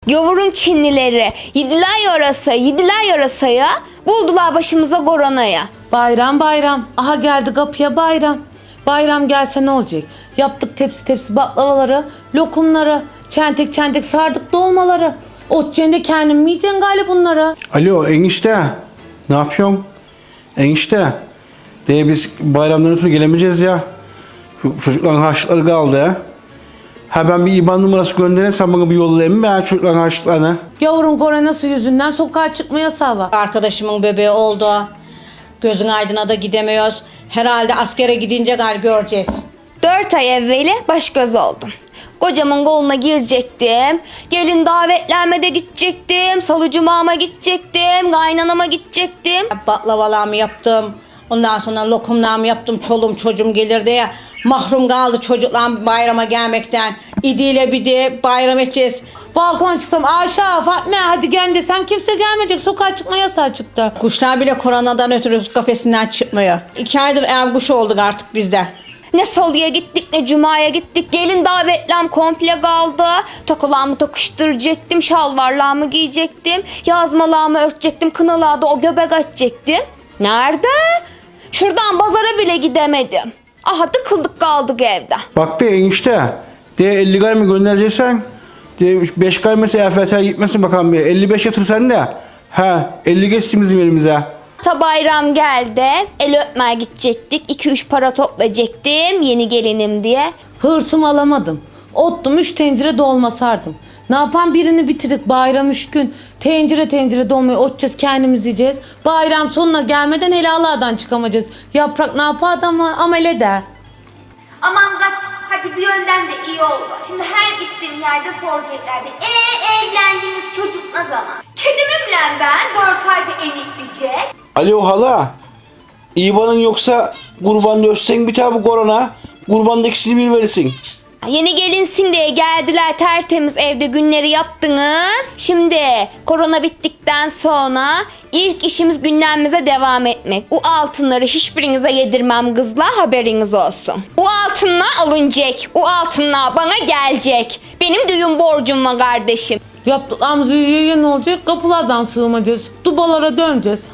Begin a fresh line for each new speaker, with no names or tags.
Gavurun Çinlileri yediler yarasaya, buldular başımıza koronaya.
Bayram bayram, aha geldi kapıya bayram. Bayram gelse ne olacak? Yaptık tepsi tepsi baklavaları, lokumları, çentek çentek sardık dolmaları. Otçende kendim mi yiyeceksin galiba bunları?
Alo enişte, ne yapıyorsun? Enişte, biz bayramdan ötürü gelemeyeceğiz ya. Çocukların harçlıkları kaldı ya. Ha ben bir IBAN numarası göndereyim, sen bana bir yollayayım mı ya çocukların harçlıklarını?
Gavurun koronası yüzünden sokağa çıkma yasağı var.
Arkadaşımın bebeği oldu. Gözün aydına da gidemiyoruz. Herhalde askere gidince göreceğiz.
4 ay evveli baş göz oldum. Kocamın koluna girecektim. Gelin davetlenmede gidecektim. Salı cumama gidecektim. Kaynanama gidecektim.
Baklavalarımı yaptım. Ondan sonra lokumlarımı yaptım. Çoluğum çocuğum gelir diye. Mahrum kaldı çocuklar bayrama gelmekten. İdiyle bir de bayram edeceğiz.
Balkona çıksam Ayşe, Fatma hadi gel desem kimse gelmeyecek. Sokağa çıkma yasağı çıktı.
Kuşlar bile koronadan ötürü kafesinden çıkmıyor. 2 aydır ev kuşu olduk artık bizde.
Ne salıya gittik ne cumaya gittik. Gelin davetlem komple kaldı. Takılarımı takıştıracaktım. Şalvarlarımı giyecektim. Yazmalarımı örtecektim. Kınalarda o göbek açacaktım. Nerede? Şuradan pazara bile gidemedim. Aha tıkıldık kaldık evde.
Bak be enişte, 50 gay mı göndereceksen, 5 gay mesela EFT'ye gitmesin bakalım bir. 55 yatır sen de. Ha 50 geçsin bizim elimize.
Ta bayram geldi. El öpmeye gidecektik. 2-3 para toplayacaktım. Yeni gelinim diye.
Hırsımı alamadım. Ottum 3 tencere dolma sardım. Ne yapan birini bitirdik bayram 3 gün. Tencere tencere dolmayı otacağız kendimiz yiyeceğiz. Bayram sonuna gelmeden hele Allah'dan çıkamayacağız. Yaprak ne yapar adamı amele de.
Aman kaç. Hadi bir yönden de iyi oldu. Şimdi her gittiğim yerde soracaklardı. Evlendiğiniz çocuk ne zaman? Kedimimle ben 4 ayda enikleyecek.
Alo hala, IBAN'ın yoksa kurbanını ötsen bir tane bu korona. Kurbanda ikisini bir verirsin.
Yeni gelinsin diye geldiler, tertemiz evde günleri yaptınız. Şimdi korona bittikten sonra ilk işimiz gündemimize devam etmek. O altınları hiçbirinize yedirmem kızlar, haberiniz olsun. O altınlar alınacak. O altınlar bana gelecek. Benim düğün borcum var kardeşim.
Yaptıklarımızı yiye ne olacak? Kapılardan sığmayacağız. Dubalara döneceğiz.